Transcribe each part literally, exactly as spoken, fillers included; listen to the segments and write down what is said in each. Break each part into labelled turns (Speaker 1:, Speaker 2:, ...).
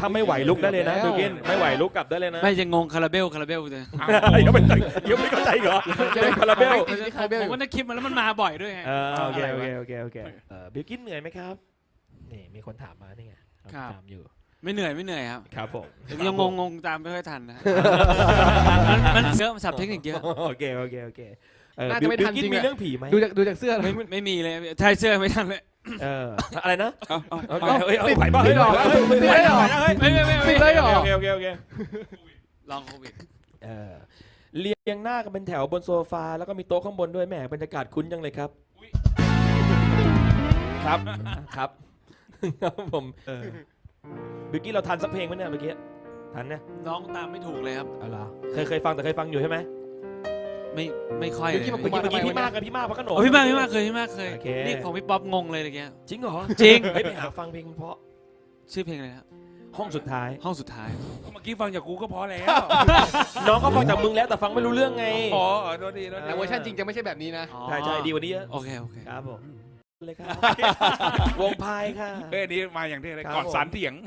Speaker 1: ถ้าไม่ไหวลุกได้เลยนะบิลกินไม่ไหวลุกกลับได้เลยนะ
Speaker 2: ไม่จะงงคาราเบลคาราเบลเลย
Speaker 1: ยังไม่ยังไม่เข้าใจเหรอเป็นคาราเบล
Speaker 2: ผมว่าในคลิปมันแล้วมันมาบ่อยด้วยไง
Speaker 1: เออโอเคโอเคโอเคโอเคเออบิลกินเหนื่อยไหมครับนี่มีคนถามมานี่ไงถามอยู่
Speaker 2: ไม่เหนื่อยไม่เหนื่อยครับ
Speaker 1: ครับผม
Speaker 2: ยังงงงงตามไม่ค่อยทันนะมันเยอะมันสับเทคนิคเยอะ
Speaker 1: โอเคโอเคโอเคเออ
Speaker 3: น่า
Speaker 1: บิ
Speaker 3: จะ
Speaker 1: ล
Speaker 3: ไม่ทัน
Speaker 1: กิน
Speaker 3: จริง
Speaker 1: มี
Speaker 3: อะ
Speaker 1: เรื่องผีไหม
Speaker 3: ดูจากดูจากเสื้อเลย
Speaker 2: ไม่ไม่มีเลยใช่เสื้อไม่ทันเลย
Speaker 1: เอออะไรนะ
Speaker 4: เอาเอา
Speaker 1: โอเค
Speaker 4: เอา
Speaker 1: เฮ้ยเฮ้ยไหวป่ะเฮ้ย
Speaker 3: ติด
Speaker 1: ไหวป่ะเฮ้ย
Speaker 3: ติดได้หรอ
Speaker 2: ไม่ไม่ไม่
Speaker 3: ติ
Speaker 2: ไม่
Speaker 3: ดได้หรอ
Speaker 1: โอเคโอเคโอเค
Speaker 2: ลองโควิด
Speaker 1: เออเรียงหน้ากันเป็นแถวบนโซฟาแล้วก็มีโต๊ะข้างบนด้วยแหมบรรยากาศคุ้นจังเลยครับครับครับครับผมเออบิลกี้เราทันสักเพลงไหมเนี่ยเมื่อกี้ทันเนี่ย
Speaker 2: น้องตามไม่ถูกเลยครับ
Speaker 1: เอาล่ะเคยเคยฟังแต่เคยฟังอยู่ใช่ไหม
Speaker 2: ไม่ไม่ค่อยเลย
Speaker 1: เมื่อกี้เมื่อกี้พี่มากกับพี่มากพระขนง
Speaker 2: โอ้พี่มากพี่มากเคยพี่มากเคย
Speaker 1: โอเค
Speaker 2: นี่ของพี่ป๊อปงงเลยอะไรเงี้ย
Speaker 1: จริงเหรอ
Speaker 2: จริง
Speaker 1: เฮ้ยไปหาฟังเพลงเพราะ
Speaker 2: ชื่อเพลงอะไรครับ
Speaker 1: ห้องสุดท้าย
Speaker 2: ห้องสุดท้าย
Speaker 4: เมื่อกี้ฟังจากกูก็พอแล้ว
Speaker 1: น้องก็ฟังจากมึงแล้วแต่ฟังไม่รู้เรื่องไง
Speaker 4: อ๋อโทษทีโทษที
Speaker 3: แต่เวอร์ชันจริงจะไม่ใช่แบบนี้นะ
Speaker 2: อ๋อ
Speaker 1: ใช่ใช่ดีกว่านี้เยอะ
Speaker 2: โอเคโอเค
Speaker 1: ครับผมเลยครับวงพายค่ะ
Speaker 4: เอ้ยอันนี้มาอย่างที่เลย
Speaker 1: ครับ
Speaker 4: ก่อน
Speaker 1: ผม
Speaker 4: สารเถียง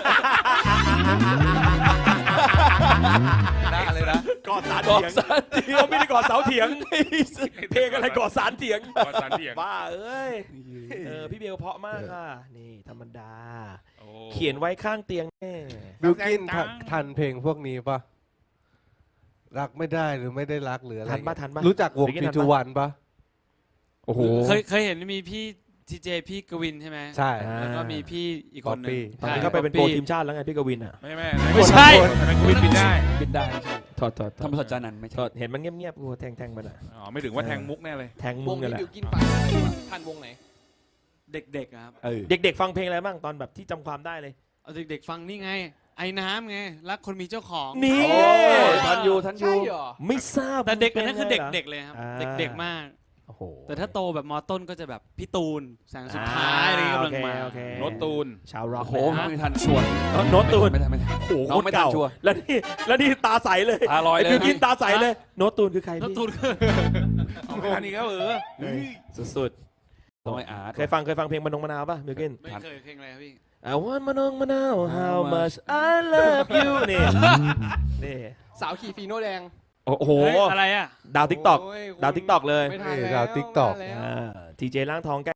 Speaker 4: ได้เลยนะ
Speaker 1: กอดสารเถียงเขาไม่ได้กอดเสาเถียงเพลงอะไรกอดสารเถียง
Speaker 4: ก่อนสารเถียง
Speaker 1: บ้าเอ้ยเออพี่เบลเพราะมากค่ะนี่ธรรมดา
Speaker 4: โอ้
Speaker 1: เขียนไว้ข้างเตียงแม่
Speaker 5: บิลกินทันทันเพลงพวกนี้ปะรักไม่ได้หรือไม่ได้รักหรืออะไร
Speaker 1: ทันปะทันปะ
Speaker 5: รู้จักวง
Speaker 1: บิลกิ้น
Speaker 5: พี
Speaker 1: ทันปะ
Speaker 5: ทูวันปะโอ้โห
Speaker 2: เคยเคยเห็นมีพี่ทีเจพี่กวินใช่ไหม
Speaker 5: ใช่
Speaker 2: แล้วก็มีพี่อีกคนหนึ่ง
Speaker 1: ตอนนี้เขาไปเป็นโปรทีมชาติแล้วไงพี่กวินอ่ะ
Speaker 4: ไม่ไม่
Speaker 2: ไม่ใช่
Speaker 4: ทำไมกูวินบินได้
Speaker 6: บินได้ใช่
Speaker 1: ถอดถอด
Speaker 6: ธรรมศาสตร์จานันท์ไม่
Speaker 1: ถ
Speaker 6: ใช่
Speaker 1: อดเห็นมันเงียบๆกูแทงแทงมันอ่ะ
Speaker 4: อ๋อไม่ถึงว่าแทงมุกแน่เลย
Speaker 1: แทง
Speaker 3: ว
Speaker 1: มุ้
Speaker 3: ง
Speaker 1: งกัน
Speaker 3: นี้
Speaker 1: แหละ
Speaker 3: บิวกินฟังทันวงไหน
Speaker 2: เด็กๆอะครับ
Speaker 6: เออ
Speaker 1: เด็กๆฟังเพลงอะไรบ้างตอนแบบที่จำความได้เลย
Speaker 2: เอาเด็กๆฟังนี่ไง ไอ้น้ำไงรักคนมีเจ้าของ
Speaker 1: นี่
Speaker 6: โอ้ยทันอยู่ทันอ
Speaker 3: ใช่
Speaker 6: ยู่
Speaker 3: เหรอ
Speaker 1: ไม่ทราบ
Speaker 2: แต่เด็กอันนั้นคือ
Speaker 1: ป็ไง
Speaker 2: เด็ก
Speaker 1: หร
Speaker 2: ๆเลยครับ
Speaker 1: อ่า
Speaker 2: เด็กๆมาก
Speaker 1: โอ้โห
Speaker 2: แต่ถ้าโตแบบมอต้นก็จะแบบพี่ตูนแสงสุดท้ายอะไรกำลังมา
Speaker 1: โอเค
Speaker 4: โน้ตตูน
Speaker 1: ชาวร็อก
Speaker 6: โอ้โหไม่ทันชวน
Speaker 1: โน้ตตูน
Speaker 6: ไม่ทันไม่ทัน
Speaker 1: โอ้โห
Speaker 6: น้องไม่ทัน
Speaker 1: เก่า
Speaker 6: ชัวร์
Speaker 1: แล้วนี่แล้วนี่ตาใสเลย
Speaker 6: ตาลอยเลย
Speaker 1: ไบิวกินตาใสเลย โน้ตตูนคือใคร
Speaker 2: แล้ว
Speaker 1: พี่
Speaker 2: ตูน
Speaker 4: เอาไม่ทันอีกแล้วเออ
Speaker 1: เฮ้ยสุด
Speaker 6: ต้องไอ้อาร์ต
Speaker 1: ๆเคยฟังเคยฟังเพลงมะนงมะนาวป่ะบิวกิน
Speaker 2: ไม่เคยเพลงอะไรครับพี่
Speaker 1: I want มะนงมะนาว how much I love you นี่นี่
Speaker 3: สาวขี่ฟีโน่แดง
Speaker 1: โอ้โห
Speaker 2: เฮ้ยอะไรอ่ะ
Speaker 1: ดาวทิกตอก
Speaker 3: โยคุณ
Speaker 1: ดาว TikTok เลย
Speaker 3: ไม่ทัน
Speaker 5: นี่
Speaker 3: แล้ว
Speaker 5: ดาว TikTok
Speaker 3: ไม่ทันแล้ว
Speaker 1: ทีเจร่างทองแก